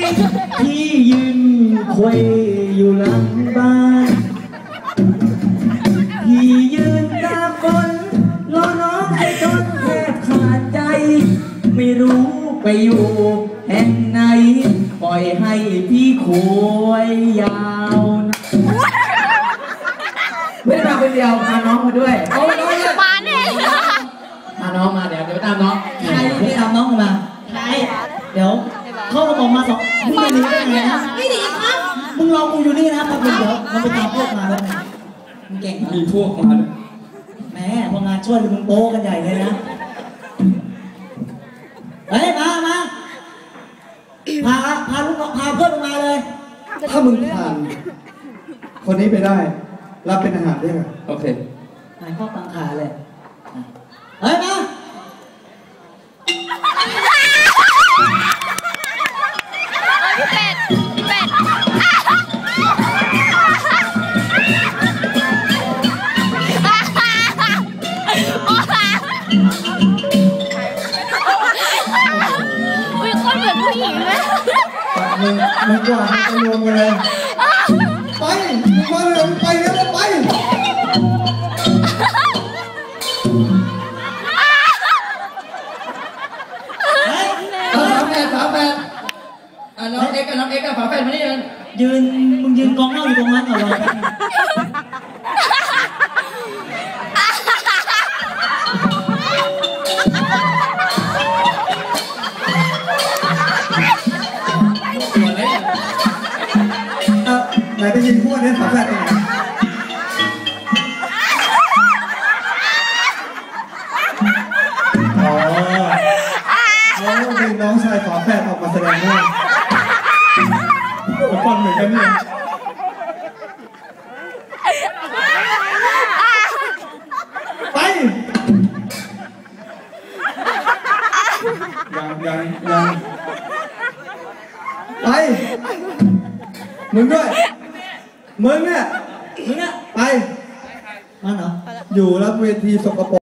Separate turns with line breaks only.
พี่ยืนคุยอยู่หลังบ้านพี่ยืนตาคนรอน้องให้จนแทบขาดใจไม่รู้ไปอยู่แห่งไหนปล่อยให้พี่ควยยาวนะไม่ได้มาคนเดียวพาน้องมาด้วยเอาน้องมาเนี่ยพาน้องมาเดี๋ยวไปตามน้องใครไปตามน้องมาใครเดี๋ยวเข้ามาบอกมาสองมึงไม่หนีได้ไงนะไม่หนีครับมึงรอกูอยู่นี่นะมาเดี๋ยวมันไปตามพวกมาแล้วมึงเก่งมีพวกมาด้วยแหมพองานช่วยมึงโป๊กันใหญ่เลยนะเฮ้ยมาพาลูกพาเพื่อนมาเลยถ้ามึงผ่านคนนี้ไปได้รับเป็นอาหารได้ไหมโอเคหายข้อตังขาเลยเฮ้ยมาเป็ดอุ้ยคนเหมือนผู้หญิงเลยมึงกว่าจะรวมกันเลยไปมาเลยไปแล้วไปฝาแฝดน้องเอ็กกับฝาแฝดมานี่มึงยืนกองเหล้าอยู่ตรงนั้นก่อนเลยไหนไปยินพวกนี้ฝาแฝดเองแล้วมีน้องชายฝาแฝดออกมาแสดงด้วยฟังเหมือนกันเนี่ยไปยังไปมึงด้วยมึงเนี่ยไปมาเหรออยู่รับเวทีสกปรก